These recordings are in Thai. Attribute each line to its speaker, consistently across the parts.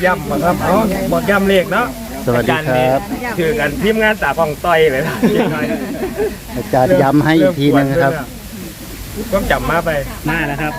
Speaker 1: ย่ำมาครับเอาบอกย่ำเลขเนาะ
Speaker 2: สวัสดีครับ
Speaker 1: คือกันทีมงานตาฟองต้อยเลยนะ
Speaker 2: อาจารย์ย้ำให้อีกทีนึงครับ
Speaker 1: ก็จำมาไป
Speaker 3: มาแล้วครับ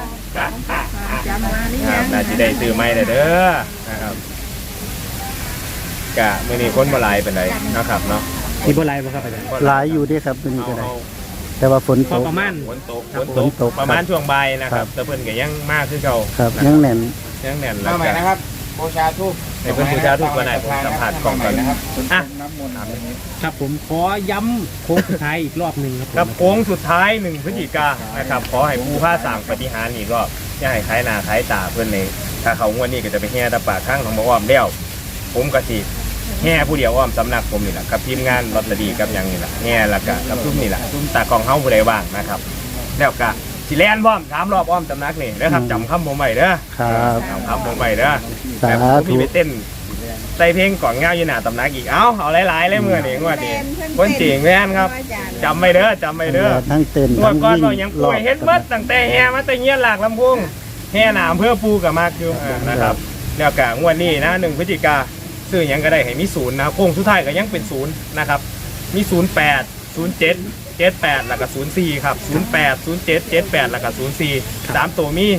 Speaker 1: น่าจะได้ซื้อไม้เลยเด้อนะครับกะมื่อนี้คนมาลายเป็นไรนะครับเนาะ
Speaker 3: มีโบราณบ่ครับอาจารย์
Speaker 2: หลายอยู่ด้วยครับตัวนี้ก็ได้ แต่ว่าฝน
Speaker 3: พ
Speaker 2: ต
Speaker 3: อก ประมาณ
Speaker 1: ฝนตก
Speaker 2: ฝนตก
Speaker 1: ประมาณช่วงบ่ายนะค
Speaker 2: ครั
Speaker 1: รับบ แต่เพิ่นก็ยังมากขึ้นเก่า
Speaker 2: ครับยังแน่น
Speaker 1: ยังแน่นแล้ว
Speaker 4: มาใหม่
Speaker 1: ก็
Speaker 4: นะครับบูชาทูบ
Speaker 1: ในเพิ่นบูชาทุกวันไหนผมสัมผัสกล่องก่อน
Speaker 4: นะครับ
Speaker 1: อ่ะ
Speaker 4: น้ำมนต์
Speaker 3: ครับผมขอย้ำโค้งสุดท้ายอีกรอบหนึ่งครับผม
Speaker 1: ครับโค้งสุดท้าย1 พฤศจิกายนนะครับขอให้ผู้ผ้าสั่งปฏิหารย์อีกรอบอย่าให้คล้ายหน้าคล้ายตาเพื่อนเลยถ้าเขางวดนี้ก็จะไปแห่ตะปากข้างของบ่อ้อมเลี้ยวผมก็สิแห่ผู้เดียวอ้อมสำนักผมนี่แหละกับทีมงานลอตเตอรี่กับหยังนี่แหละแห่แล้วก็กับซุ้มนี่แหละซุ้มตากองเฮาผู้ใดว่างนะครับแล้วก็สิแล่นพร้อม3 รอบอ้อมสำนักนี่นะครับจำคำผมไว้เด้อ
Speaker 2: ครับ
Speaker 1: จำคำผมไว้เด้อ
Speaker 2: สา
Speaker 1: แต่ผม
Speaker 2: ธุ
Speaker 1: มีไปเต้นใส่เพลงก่อนเงาอยู่หน้าตำนักอีกเอาหลายๆเลยเมื่อนี่งวดนี้คนจริงแม่นครับจำไว้เด้อจำไว้เด้อ
Speaker 2: ทั้งเต้น
Speaker 1: ตัว
Speaker 2: ทั้ง
Speaker 1: ก้อน
Speaker 2: วิ่ง
Speaker 1: เรายังป่วยเฮ็ดเบิดตั้งแต่แห่มาแต่เงี้ยหลากลำพุงแห่หนามเพื่อปูกับมากอยู่นะครับแล้วก็งวดนี้นะ1 พฤศจิกาซื้อหยังก็ได้ให้มี0นะครับโค้งสุดท้ายก็ยังเป็น0นะครับมี08 07 78แล้วก็04ครับ08 07 78แล้วก็04 3ตัวมี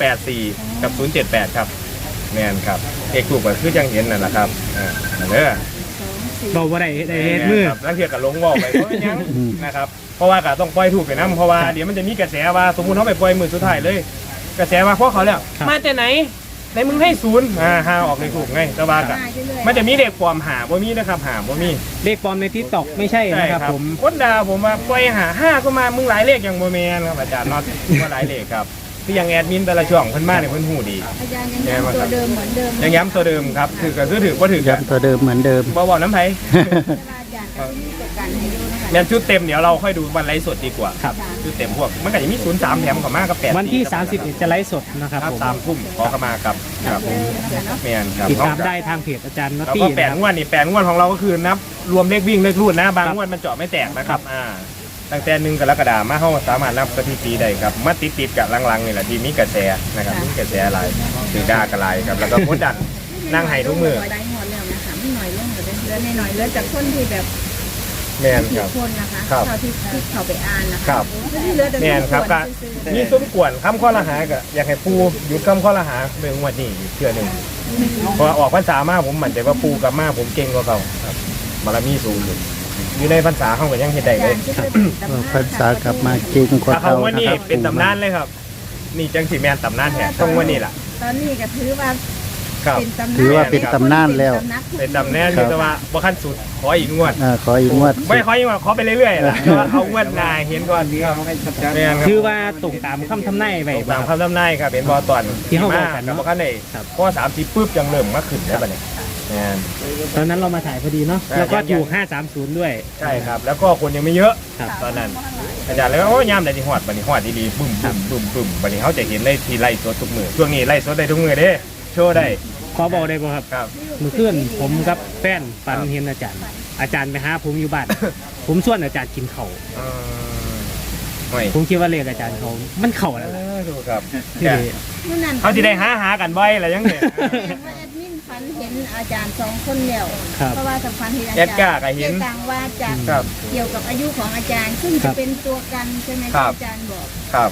Speaker 1: 084กับ078ครับแม่นครับเอกถูกก็คือจังเห็นนั่นแหละครับเด้อ
Speaker 3: เราบ่ได้ได้เฮ็ดมือ
Speaker 1: ครับแล้วเทียบกับลงวอกไปเพราะยังนะครับเพราะว่าก็ต้องปล่อยถูกไปนะเพราะว่าเดี๋ยวมันจะมีกระแสว่าสมมุติเขาไปปล่อยมือสุดท้ายเลย กระแสว่าพวกเขาแล้วมาแต่ไหนในมึงให้0หาออกเลยถูกไงแต่ว่าก็มันจะมีเด็กปลอมหาบ่มีนะครับหาบ่มี
Speaker 3: เลขปลอมในทิกตอกไม่ใช่นะครับผม
Speaker 1: คนด่าผมว่าปล่อยหา5ก็มามึงหลายเลขอย่างบ่แม่นครับอาจารย์น็อตว่าหลายเลขครับที่ยังแอดมินแต่ละช่องเพิ่นมาเนี่ยเพิ่นฮู้ดี
Speaker 5: อาจารย์ยังย้ำตัวเดิมเหมือนเดิม
Speaker 1: ยังย้ำตัวเดิมครับถือก็ถือว่าถือกัน
Speaker 2: ย้ำตัวเดิมเหมือนเดิม
Speaker 1: บ่น้ำไผ
Speaker 5: อาจารย์ก็มีประกันให้ดูนะคะ
Speaker 1: แม่นชุดเต็มเดี๋ยวเราค่อยดูวันไลฟ์สดดีกว่า
Speaker 3: ครับ
Speaker 1: ชุดเต็มพวกมันก็จะมี03แถมกับมากับ8
Speaker 3: วันที่30จะไลฟ์สดนะครับ
Speaker 1: ครับ
Speaker 3: ผม
Speaker 1: 3 ทุ่มขอเข้ามากับครับแม่นครับ
Speaker 3: ติดตามได้ทางเพจอาจารย์น็อต
Speaker 1: แล้ว
Speaker 3: ตี้
Speaker 1: ก็
Speaker 3: นะ
Speaker 1: แปด
Speaker 3: ครับ
Speaker 1: งวดนี่8 งวดของเราก็คือนับรวมเลขวิ่งเลขรูดนะบางงวดมันเจาะไม่แตกนะครับตั้งแต่1 กรกฎาคมมาเฮาสามารถนับสถิติได้ครับมาติดกับลังๆนี่แหละที่มีกระแสนะครับมีกระแสหลายถือด่ากระไรครับแล้วก็กดดันนั่งให้ทุกมือ
Speaker 5: ได้หมดแล้วนะคะไม่หน่อยลงแต่เหลือหน่อยเหลือจากคนที่แบบ
Speaker 1: แม่น
Speaker 5: ผิ
Speaker 1: ค
Speaker 5: ด
Speaker 1: รับ
Speaker 5: คนนะคะ
Speaker 1: ครับ
Speaker 5: เท่าที่เขาไปอ่านนะ
Speaker 1: ค
Speaker 5: คะ
Speaker 1: รับ
Speaker 5: เหลือแต่
Speaker 1: แม่นครับก็มีซุ้มกวนคำข้อละหาก็อยากให้ปูหยุดคำข้อละหาเรื่องงวดนี้อีกเทื่อหนึงเพราะว่าออกพรรษามาผมมั่นใจว่าปูกับมาผมเก่งกว่าเขาครับบารมีสูงอยู่ในพรรษาเขาก็ยังเฮ็ดได้เลย
Speaker 2: ภาษากลับมาเก่งกว่า
Speaker 1: ถ้าเขา
Speaker 2: เขา
Speaker 1: วัน
Speaker 2: นะ
Speaker 1: นี้
Speaker 2: ครับ
Speaker 1: เป็นตำนานเลยครับ นี่จังสีแมนตำนานแท้ต้องวันนี้ล่ะ
Speaker 5: ตอนนี้ก็ถือว่า
Speaker 1: ครับ
Speaker 5: เป็นตำนาน
Speaker 2: ถือว่าเป็นตำนานแล้ว
Speaker 1: เป็นตำนานอยู่แต่ว่าบ่ขั้นสุดขออีกงวด
Speaker 2: ขออีกงวด
Speaker 1: ไม่ขออีกงวดขอไปเรื่อยๆล่ะแต่ว่าเอางวดหนายเห็นก่อนดีครับแม่นครับ
Speaker 3: คือว่าตรงตามคำทำนายไว้
Speaker 1: ตามคำทำนายครับเป็นบอตอน
Speaker 3: ที่เขาบอกกันเนอะ
Speaker 1: บ่ขั้นได้
Speaker 3: ครับ
Speaker 1: เพราะว่า30ปุ๊บยังเริ่มมาขึ้นได้บัดนี้แม่น
Speaker 3: ตอนนั้นเรามาถ่ายพอดีเนาะ
Speaker 1: ใช่
Speaker 3: แล้วก็ถูก530ด้วย
Speaker 1: ใช่ครับ แล้วก็คนยังไม่เยอะ
Speaker 3: ครับ
Speaker 1: ตอนนั้นอาจารย์เลยว่าโอ้ยยามใดที่ฮอดบัดนี้ฮอดดีๆบึ้มบึ้มบัดนี้เขาจะเห็นเลยที่ไล่สดทุกมือช่วงนี้ไล่สดได้ทุกมือเด้โชว์ได้
Speaker 3: ขอบอกได้บ่ครับ
Speaker 1: ครับ
Speaker 3: เมื่อคืนผมกับแฟนฝันเห็นอาจารย์ อาจารย์ไปหาผมอยู่บ้าน ผมชวนอาจารย์กินข้าว
Speaker 1: ไม่
Speaker 3: ผมคิดว่าเลขอาจารย์เขามันเข้าแล้วล่ะ
Speaker 1: ถูกครับ
Speaker 3: ที่
Speaker 1: เขาที่ได้หากันบ่อยอะไรยังเนี่ย
Speaker 5: ว่าแอดมินฝันเห็นอาจารย์2 คนแล้ว
Speaker 3: ครับ
Speaker 5: เพราะว่าสำคัญที่อา
Speaker 1: แอ
Speaker 5: จาร
Speaker 1: ด
Speaker 5: ย์
Speaker 1: ก้าก็เห็น
Speaker 5: ต่างว่าจะ
Speaker 1: ครับ
Speaker 5: เกี่ยวกับอายุของอาจารย์ซึ่ง
Speaker 3: ครั
Speaker 5: จะ
Speaker 3: บ
Speaker 5: เป็นตัวกันใช่ไหม
Speaker 1: ครับ
Speaker 5: ที่อาจารย์บอก
Speaker 1: ครับ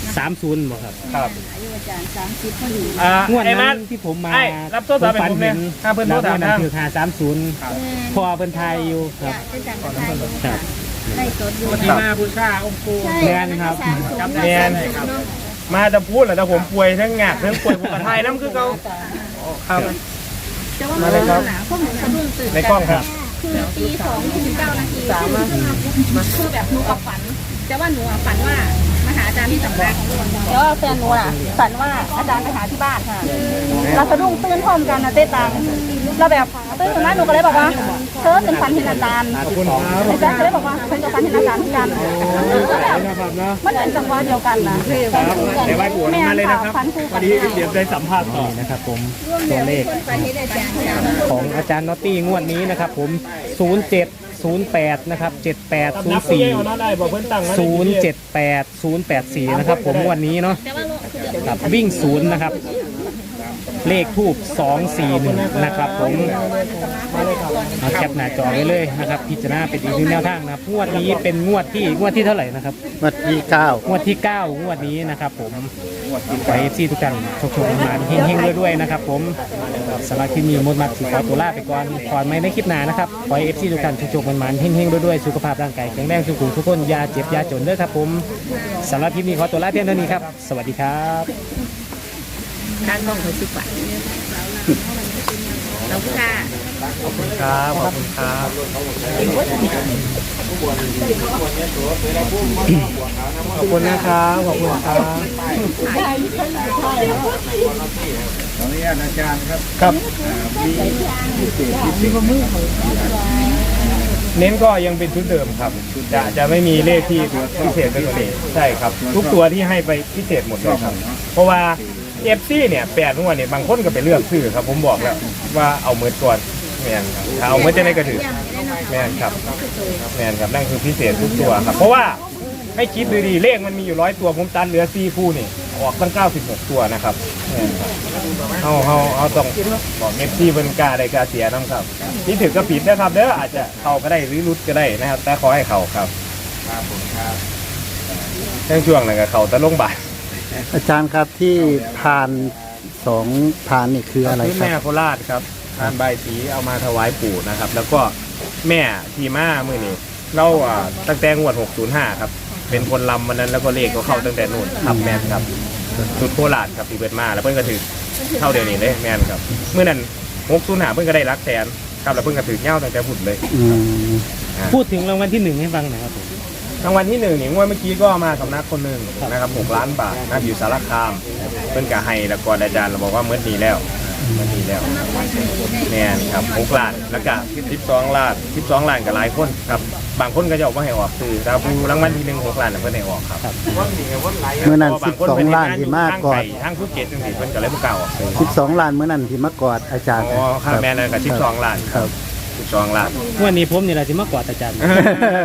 Speaker 3: 30บ่ครับ
Speaker 1: ครับ
Speaker 5: อายุอาจารย์30พอดี
Speaker 3: งวด
Speaker 1: ไอ้มั
Speaker 3: นั้น นที่ผมมา
Speaker 1: ไอ้รับโทรศัพท์ให้ผมเนี่ยถ้าเพิ่นโทรถาม
Speaker 3: นั่
Speaker 1: ทาง
Speaker 3: คือ530พอเพิ่นไทยอยู่ครับ
Speaker 5: จะจัดการ
Speaker 3: ครับ
Speaker 5: ได้สดอยู่
Speaker 1: ที่มาบูชาองค์ปู่
Speaker 5: ใช่
Speaker 3: แม่นครับ
Speaker 1: แม่น มาจะพูดเหรอแต่ผมป่วยทั้งงากทั้งป่วยผมกระทายน้ำคือเขาครับ
Speaker 5: จะว่า
Speaker 1: มาเลยครับ
Speaker 5: พวกหนูสะดุ้งตื่น
Speaker 1: ในกล้องครับ
Speaker 5: คือตี2:29 นาทีคือแบบหนูกับฝันแต่ว่าหนูอะฝันว่ามาหาอาจารย์ที่สำนักแล้วแฟนหนูอะฝันว่าอาจารย์ไปหาที่บ้านค่ะเราสะดุ้งตื่นพร้อมกันนะเต้ตังเราแบบตื่นขึ้นมาหนูก็เลยบอกว่าเธอเป็นฝันเห็นอาจารย์อาจารย์ก็เลยบอกว่าฉันกับฝันเห็นอาจารย์เหมือนกันก็แบบมันเป็นจังหวะเดียวกันนะ
Speaker 1: เดี๋ยวไปปวดมาเลยนะครับ
Speaker 5: ฝันคู่
Speaker 1: พอดีเดี๋ยวได้สัมภาษณ์ต่อ
Speaker 3: นี่นะครับผมตัวเลขของอาจารย์น็อตตี้งวดนี้นะครับผม 0708 นะครับ 7804
Speaker 1: ได้บอกเพิ่นตั้ง
Speaker 3: 078 084 นะครับผมงวันนี้เนาะครับวิ่ง0นะครับเลขทูบ241นะครับผมเอาแคปหน้าจอไว้เลยนะครับพิจารณาเป็นอีกหนึ่งแนวทางนะครับงวดนี้เป็นงวดที่เท่าไหร่นะครับ
Speaker 2: วันที่เก้าง
Speaker 3: วดที่ 9 งวดนี้นะครับผมขอเอฟซีทุกท่านโชคๆมาเฮงๆด้วยๆนะครับผมสำหรับที่มีมดมัดสีขอตัวลาไปก่อนไม่ได้คลิปหน้านะครับขอเอฟซีทุกท่านโชคๆมันๆเฮงๆด้วยๆสุขภาพร่างกายแข็งแรงทุกคนอย่าเจ็บอย่าจนเด้อครับผมสำหรับคลิปนี้ขอตัวลาเพียงเท่านี้ครับสวัสดีครับ
Speaker 5: การต้องไปสิบบาทเราค่ะ
Speaker 1: ขอบคุณครับขอบคุณครับ ขอบคุณนะครับขอบคุณครับขออนุญาตอาจารย์ครับครับเน้นก็ยังเป็นชุดเดิมครับจะไม่มีเลขที่พิเศษเป็นตัวนี้ใช่ครับ ทุกตัวที่ให้ไปพิเศษหมดเลยครับ เพราะว่าเอฟซีเนี่ย8 งวดเนี่ยบางคนก็ไปเลือกซื้อครับผมบอกแล้วว่าเอาเมิดก่อนแมนครับถ้าเอาเมิดจะได้กระถือแมนครับแมนครับนั่นคือพิเศษทุกตัวครับเพราะว่าให้คิดดูดีเลขมันมีอยู่100 ตัวผมตัดเหลือ4 คู่นี่ออกตั้ง96 ตัวนะครับแม่นครับเอาต้องบอกเอฟซีเป็นกาได้กาเสียน้ำครับที่ถือก็ผิดนะครับเด้ออาจจะเข้าก็ได้หรือรุดก็ได้นะครับแต่ขอให้เข้าครับครับผมครับช่วงนั้นก็เข้าแต่ลงบ่าย
Speaker 2: อาจารย์ครับที่พาน2พานนี่คืออะไร
Speaker 1: คือ
Speaker 2: ครั
Speaker 1: แม่
Speaker 2: บ
Speaker 1: โคราชครับทานใบสีเอามาถวายปู่นะครับ แล้วก็แม่ทีม่ามื่อนี้เราตั้งแต่งวด605ครับเป็นคนลำวันนั้นแล้วก็เลขก็เข้าตั้งแต่นู่นครับแม่นครับสุดโคราชครับที่เปิดมาแล้วเพิ่นก็ถือเข้าเดี๋ยวนี้เลยแม่นครับเมื่อนั้น605เพิ่นก็ได้รักแสนครับแล้วเพิ่นก็ถือเงี้ยวตั้งแต่พุ่นเลย
Speaker 2: อืม
Speaker 3: พูดถึงรางวัลที่1ให้ฟังหน่อยครับผม
Speaker 1: รางวัลที่1นี่งวดเมื่อกี้ก็มาสำนักคนหนึ่งนะครับ6 ล้านบาทนะอยู่สารคามเพิ่นก็ให้แล้วก็อาจารย์เราบอกว่าเมื่อนี้แล้วเมื่อนี้แล้วแม่นครับ6 ล้านแล้วก็12 ล้าน12 ล้านกับหลายคนครับบางคนก็จะออกมาให้ออกคือแต่ผู้รางวัลที่1 6 ล้านน่ะเพิ่นให้ออกครับ
Speaker 2: เมื่อนั้น12 ล้านที่มากกอด
Speaker 1: ทั้งภูเก็ตจังซี่เพิ่นก็เลยบ่กล้าออกซื้อ
Speaker 2: 12 ล้านเมื่อนั้นที่มากอดอาจารย์
Speaker 1: อ๋อค่าแม่นั่นก็12 ล้านครับ12 ล้าน
Speaker 3: งวดนี้ผมนี่แหละที่มากกว่าอาจารย์
Speaker 5: แต่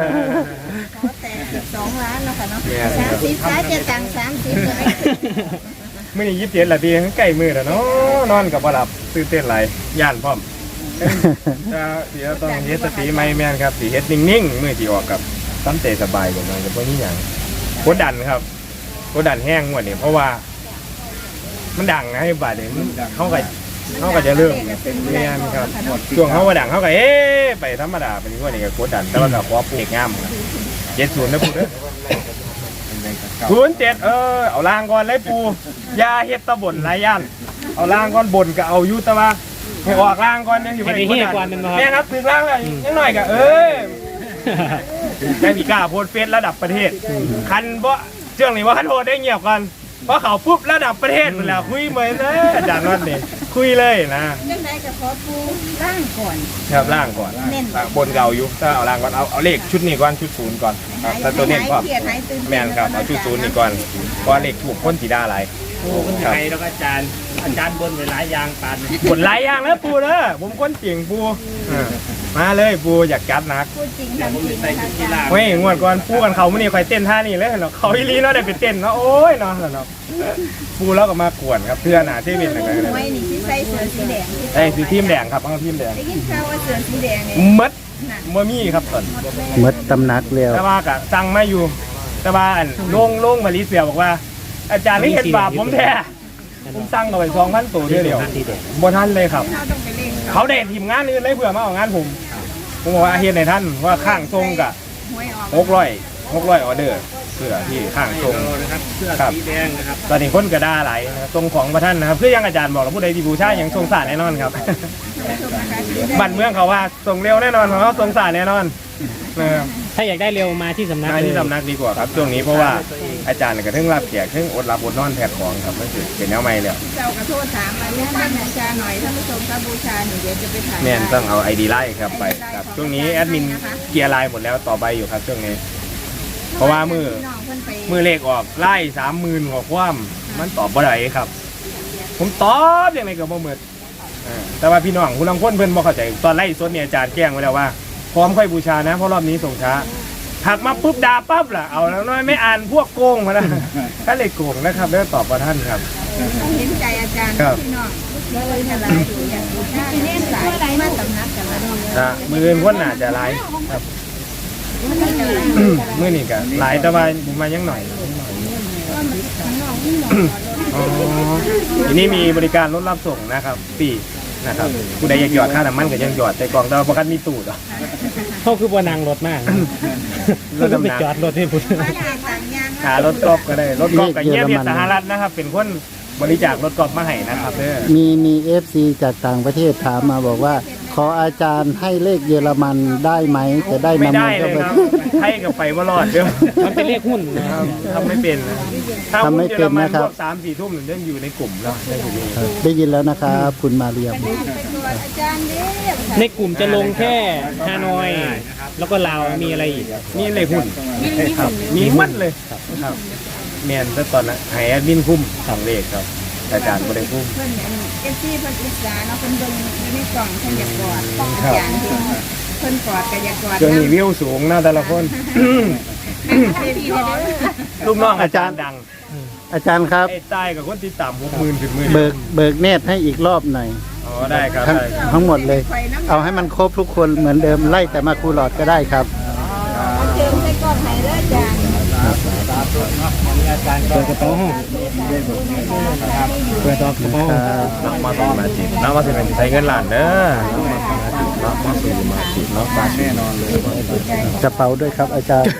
Speaker 5: 12 ล้านแล้วค่ะเนาะ30ซ้ายจะตัง30เลย
Speaker 1: มื้อนี้27ละพี่ใกล้มื้อแล้วเนาะนอนก็บ่หลับตื่นเต้นหลายย่านพร้อม เดี๋ยวต้องเฮ็ดสติไม่แม่นครับสิเฮ็ดนิ่งๆมื้อที่ออกกับตั้งใจสบายกว่ามันจะบ่มีหยังกดดันครับกดดันแห้งงวดนี้เพราะว่า มันดังนะให้บาดนี้เขาก็จะเริ่มแม่นครับช่วงเขาว่าดังเขาก็ไปธรรมดาเป็นงวดนี้ก็กดดันแต่ว่าก็ขอปลูกงาม70นะปูเด้อ07เอาล่างก่อนเลยปูอย่าเฮ็ดตะบ่นหลายย่านเอาล่างก่อนบ่นก็เอาอยู่แต่ว่าให้ออกล่างก่อนจังสิบ่ได้กดดันแม่ครับถึงล่างแล้วยังหน่อยก็แม่พี่กล้าโพสต์เฟซระดับประเทศคันบ่เรื่องนี้ว่าคันโพสต์ได้เงียบกันเพราะเขาปุ๊บระดับประเทศหมดแล้วคุยเหมือนเลยอาจารย์นนท์นี่คุยเลยนะ
Speaker 5: เรื่องใดก็ขอปูร่างก่อน
Speaker 1: ครับล่างก่อน
Speaker 5: เน้น
Speaker 1: บนเก่าอยู่ถ้าเอาล่างก่อนเอาเลขชุดนี้ก่อนชุด0ก่อนครับแต่ตัวเน้นก็
Speaker 5: เกียรติหายตื่น
Speaker 1: แม่นครับเอาชุด0นี่ก่อนเพราะเลขถูกคนสีดาหลาย
Speaker 3: คนไทยแล้วก็อาจารย์บนไปหลายอย่างปาน
Speaker 1: บนหลายอย่างแล้วปูเด้อผมคนเก่งปูมาเลยปูอยากจัดหนัก
Speaker 5: พูดจริงทำจริงนะคะ
Speaker 1: เฮ้ยงวดก่อนปูกันเขาไม่นี่ใครเต้นท่านี่เลยเนาะเขาอีลีเนาะได้ไปเต้นเนาะโอ้ยเนาะเนาะปูแล้วก็มากวนครับเพื่อนหนาที่เป็นอะไรกัน
Speaker 5: ไม่นี่ที่ใส่เสื้อสีแดง
Speaker 1: ไอ้สีทีมแดงครับเอาทีมแดง
Speaker 5: ได้ยินข่าวว่าเสื้อสีแดงเนี่ย
Speaker 1: มัดมัมี่ครับตอน
Speaker 2: หมดตำหนักแล้ว
Speaker 1: แต่ว่ากะสั่งมาอยู่แต่ว่าอันลงมาลีเสียบอกว่า อาจารย์นี่เห็นบาปผมแท้ผมสั่งเอาไป2,000 ตัวเดียวบ่ทันเลยครับ
Speaker 5: เราต้องไปเล่น
Speaker 1: เขาเด็ดทีมงานอื่นเลยเพื่อมาเอางานผมบอกว่าเฮ็ดในท่านว่าข้างทรงกะ
Speaker 5: หวยออก
Speaker 1: 600ออเดอร์เพื่อที่ข้างทรง
Speaker 3: นะครับเสื้อสีแดงนะครับ
Speaker 1: ตอนนี้คนก็ด่าหลายนะครับทรงของประท่านนะครับเพื่อยังอาจารย์บอกแล้วผู้ใดที่บูชาอย่างทรงศาสตร์แน่นอนครับ บ้านเมืองเขาว่าทรงเร็วแน่นอนของเขาทรงศาสตร์แน่นอนนะครับ
Speaker 3: ถ้าอยากได้เร็วมาที่สำนัก
Speaker 1: มาที่สำนักดีกว่าครับช่วงนี้เพราะว่าอาจารย์ก็ถึงรับแขกถึงอดรับอดนอนแทกของครับมันคือเป็นแนวใหม่แล้ว
Speaker 5: เจ้ากระโทษถามมาเรื่องบ้านบูชาหน่อยท่านผู้ชมครับบูชาหนูเดี๋ยวจะไปถ่าย
Speaker 1: แม่นต้องเอา ID ไล่ครับไปครับช่วงนี้แอดมินเกียร์ไลน์หมดแล้วต่อไปอยู่ครับช่วงนี้ เพราะว่ามือเลขออกไล่30,000กว่าความมันตอบบ่ได้ครับ ผมตอบยังไงก็บ่หมดแต่ว่าพี่น้องผู้ลังคนเพิ่นบ่เข้าใจตอนไล่สดเนี่ยอาจารย์แจ้งไว้แล้วว่าพร้อมค่อยบูชานะเพราะรอบนี้ส่งช้าถักมาปุ๊บด่าปั๊บล่ะเอาแล้วน้อยไม่อ่านพวกโกงมาแล้ว ถ้าเลยโกงนะครับแล้วตอบว่าท่านครับ
Speaker 5: เห็นใจอาจารย์พี่น้องเลยอะไรอย่างนี้เน้นหลายมาสำนักกันละ
Speaker 1: มืออื่นคนน่าจะหลายครับมื้อนี้ก็หลายแต่ว่าผมมายังหน่อยอ๋อทีนี้มีบริการรถรับส่งนะครับฟรีนะครับผู้ใดอยากหยอดค่าน้ำมันก็ยังหยอดแต่กล่องแต่ว่าประกันมีตู้ดอก
Speaker 3: เขาคือบ่นางรถมาก
Speaker 1: รถดำน้ำ
Speaker 3: ไปจอดรถให้พุ่น
Speaker 1: หารถกอล์ฟก็ได้รถกอล์ฟกับเยี่ยมเพียรสหรัฐนะครับเป็นคนบริจาครถกอล์ฟมาให้นะครับเด้อ
Speaker 2: มีFC จากต่างประเทศถามมาบอกว่า ขออาจารย์ให้เลขเยอรมันได้ไหมจะได้
Speaker 1: ไม่
Speaker 2: นำ
Speaker 1: ได้
Speaker 2: มา
Speaker 1: เลย
Speaker 2: เข้า
Speaker 1: ครับ
Speaker 2: ไป
Speaker 1: ให้กับไปว่ารอดเด้อ
Speaker 3: มันเป็นเลขหุ้นนะ
Speaker 1: ทำไม่เป็นนะถ้า
Speaker 2: ทำ
Speaker 1: หุ้
Speaker 2: ไม่
Speaker 1: นเยอ
Speaker 2: เป็
Speaker 1: ร
Speaker 2: น
Speaker 1: มัน
Speaker 2: นะครับ
Speaker 1: พวก3-4 ทุ่มเริ่มอยู่ในกลุ่มแล้วในกลุ่มนี้
Speaker 2: ได้ยินแล้วนะครับคุณมาเรียม
Speaker 5: อาจารย์เด้
Speaker 3: ในกลุ่มจะลงแค่ฮานอย แล้วก็ลาวมีอะไรอีก
Speaker 1: นี่เลยหุ้นครับมีมัดเลยครับแมนแต่ตอนนั้นให้แอดมินคุ้มสองเลขครับอาจารย์บ่ได้คุ้ม
Speaker 5: เพิ่นเอฟซีเพิ่นอิจฉาเนาะเพิ่นเบิ่งอยู่ในกล่องเพิ่นอยากกอดอาจารย์เพิ่นกอดก็อยากกอด
Speaker 1: ช่วงนี้วิวสูงนะแต่ละคน
Speaker 5: พี่เขา
Speaker 1: ลูกน้องอาจารย์ดัง
Speaker 2: อาจารย์ครับ
Speaker 1: ไอ้ใต้กับคนติดตาม60,000ถึง10,000
Speaker 2: เบิกเนตรให้อีกรอบหน่อย
Speaker 1: อ๋อได้ครับ
Speaker 2: ทั้ง
Speaker 1: ได้ครับ
Speaker 2: ทั้งหมดเลย เอาให้มันครบทุกคนเหมือนเดิมไล่แต่มาครูหลอดก็ได้ครับ
Speaker 5: เจิมใส่กล่องให้เด้ออาจารย์
Speaker 3: เปิดกระเป๋าห้องเปิดกระเป๋าห้อง
Speaker 1: นักมาสมาจิตนักมาสิเป็นใช้เงินล้านเด้อนักมาสมาจิตนักมาแน่นอนเลย
Speaker 2: กระเป๋าด้วยครับ อาจารย์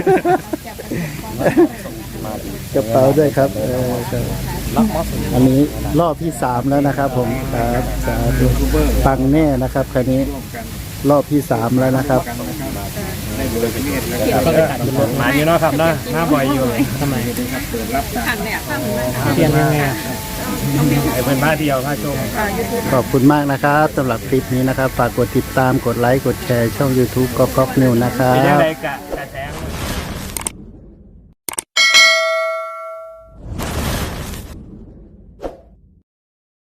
Speaker 2: กระเป๋าด้วยครับครับอันนี้รอบที่3แล้วนะครับ ผมครับสาธุปังแน่นะครับคราวนี้รอบที่3แล้วนะครับ
Speaker 1: มาอยู่เนาะครับเนาะหน้าบ่อยอยู่
Speaker 3: ทำไม
Speaker 5: ขันเนี่ยข้ามมา
Speaker 3: เปลี่ยนยังไง
Speaker 1: ไอ้เพิ่นพาเที่ยวพาชม
Speaker 2: ขอบคุณมากนะครับสำหรับคลิปนี้นะครับ ฝากกดติดตามกดไลค์กดแชร์ช่อง YouTube ก๊อกนิวนะครั
Speaker 1: เป็นยัง
Speaker 2: บ
Speaker 1: ไงกะ